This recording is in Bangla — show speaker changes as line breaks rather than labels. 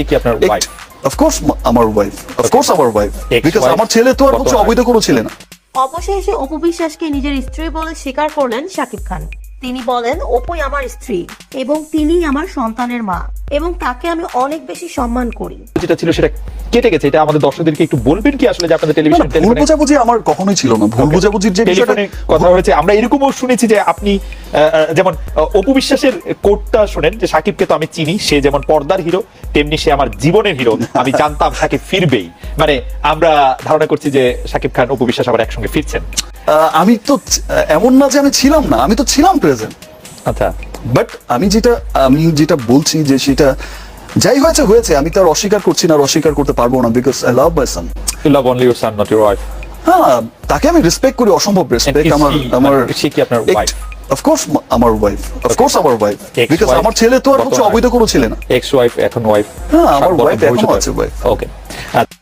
কি আপনার ওয়াইফ?
অফকোর্স আমার ওয়াইফ, অফকোর্স আমার ওয়াইফ, বিকজ
Ex-wife,
আমার ছেলে তো আর হচ্ছে অবৈধ কোনো ছেলে না।
অবশেষে অপু বিশ্বাসকে নিজের স্ত্রী বলে স্বীকার করলেন শাকিব খান। তিনি বলেন, অপুই আমার স্ত্রী এবং তিনি আমার সন্তানের মা এবং তাকে আমি অনেক বেশি সম্মান করি।
যেটা ছিল সেটা কেটে গেছে, এটা আমাদের দর্শকদেরকে একটু বলবেন কি আসলে যে আপনাদের টেলিভিশন
ভুল বোঝাবুঝি আমার কখনোই ছিল না। ভুল বোঝাবুঝির যে বিষয়টা
টেলিফোনে কথা হয়েছে, আমরা এরকমও শুনেছি যে আপনি যেমন অপু বিশ্বাসের কোটটা শুনেন যে সাকিবকে তো আমি চিনি, সে যেমন পর্দার হিরো তেমনি সে আমার জীবনের হিরো, আমি জানতাম সাকিব ফিরবেই। মানে আমরা ধারণা করছি যে সাকিব খান অপু বিশ্বাস আবার একসঙ্গে ফিরছেন।
আমি তো এমন না যে আমি ছিলাম না, আমি তো ছিলাম প্রেজেন্ট।
আচ্ছা,
বাট আমি যেটা বলছি যে সেটা যাই হয়েছে হয়েছে, আমি তার অস্বীকার করছি না, আর অস্বীকার করতে পারবো না, because I love my son.
You love only your son, not your wife.
হ্যাঁ, তাকে আমি রেসপেক্ট করি, অসম্ভব রেসপেক্ট। আমার
সে কি আপনার ওয়াইফ?
অফকোর্স আমার ওয়াইফ, অফকোর্স আমার ওয়াইফ, বিকজ
Ex-wife,
আমার ছেলে তো আর হচ্ছে অবৈধ কোনো ছেলে না।
এক্স ওয়াইফ, এখন ওয়াইফ।
হ্যাঁ, আমার ওয়াইফ এখনো আছে, ওয়াইফ।
ওকে।